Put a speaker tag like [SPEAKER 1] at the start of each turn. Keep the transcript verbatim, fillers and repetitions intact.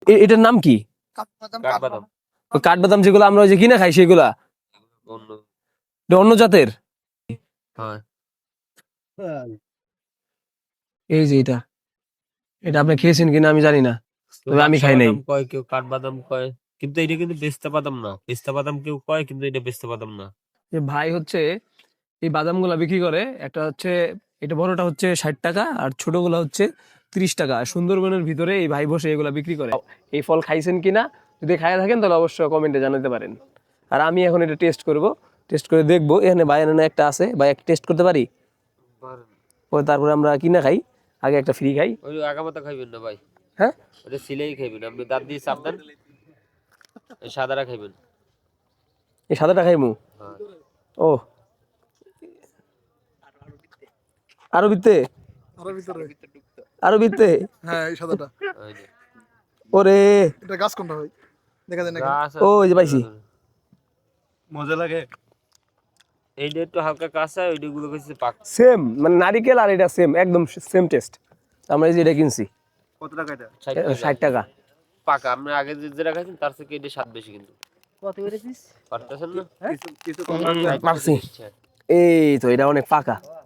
[SPEAKER 1] এ- এটার নাম কি?
[SPEAKER 2] কাঠবাদাম।
[SPEAKER 1] ওই কাঠবাদাম যেগুলো আমরা ওই যে কিনে খাই সেগুলা?
[SPEAKER 2] অন্য।
[SPEAKER 1] এটা অন্য জাতের?
[SPEAKER 2] হ্যাঁ।
[SPEAKER 1] এই যে এটা, এটা আপনি খেয়েছেন কিনা আমি জানি না,
[SPEAKER 2] কেউ
[SPEAKER 1] তবে আমি
[SPEAKER 2] বাদশা
[SPEAKER 1] খাই নাই।
[SPEAKER 2] বাদাম কয়, কেউ কাঠবাদাম কয়, কিন্তু এটা কিন্তু পেস্তা বাদাম না। পেস্তা বাদাম কেউ কয়, কিন্তু এটা পেস্তা বাদাম না।
[SPEAKER 1] যে ভাই হচ্ছে এই বাদামগুলা বিক্রি করে, একটা হচ্ছে এটা বড়টা হচ্ছে ষাট টাকা আর ছোটগুলা হচ্ছে ত্রিশ টাকা। আর সুন্দরবনের ভিতরে এই ভাই বসে এগুলা বিক্রি করে। এই ফল খাইছেন কিনা, যদি খাইয়া থাকেন তাহলে অবশ্যই কমেন্টে জানাতে পারেন। আর আমি এখন এটা টেস্ট করব, টেস্ট করে দেখবো। এখানে ভাই এখানে একটা আছে, ভাই একটা টেস্ট করতে পারি? ওই তারপরে আমরা কিনা খাই, আগে একটা ফ্রি খাই।
[SPEAKER 2] ওই আগামাতা খাইবেন না ভাই,
[SPEAKER 1] হ্যাঁ,
[SPEAKER 2] ওটা সিলাই খাইবেন। আপনি দাঁত দিয়ে সাবধান, এই সাদাটা খাইবেন।
[SPEAKER 1] এই সাদাটা খাইমু?
[SPEAKER 2] হ্যাঁ।
[SPEAKER 1] ও, আরো বিতে,
[SPEAKER 3] আরো ভিতরে।
[SPEAKER 1] আরো বিতে।
[SPEAKER 3] হ্যাঁ এই সাদাটা।
[SPEAKER 2] ওই যে।
[SPEAKER 1] ওরে,
[SPEAKER 3] এটা গাছ কোনটা ভাই? দেখা যায় না কেন?
[SPEAKER 2] গাছ
[SPEAKER 1] ও,
[SPEAKER 2] আছে
[SPEAKER 1] এই যে পাইছি।
[SPEAKER 3] মজা লাগে।
[SPEAKER 2] এইটা একটু হালকা কাঁচা, ওইটা গুলো হচ্ছে পাক।
[SPEAKER 1] সেম, মানে নারিকেল আর এটা সেম, একদম সেম টেস্ট। আমরা এই যে এটা কিনছি
[SPEAKER 3] কত টাকা এটা?
[SPEAKER 2] ষাট
[SPEAKER 1] ষাট
[SPEAKER 2] টাকা
[SPEAKER 1] টাকা।
[SPEAKER 2] পাকা। আমরা আগে যে যেটা খাইছেন তার থেকে এটা স্বাদ বেশি কিন্তু।
[SPEAKER 4] কত করে দিস?
[SPEAKER 2] পারতেছেন না?
[SPEAKER 3] কিছু কিছু
[SPEAKER 1] পারছি। এই তো এটা অনেক পাকা।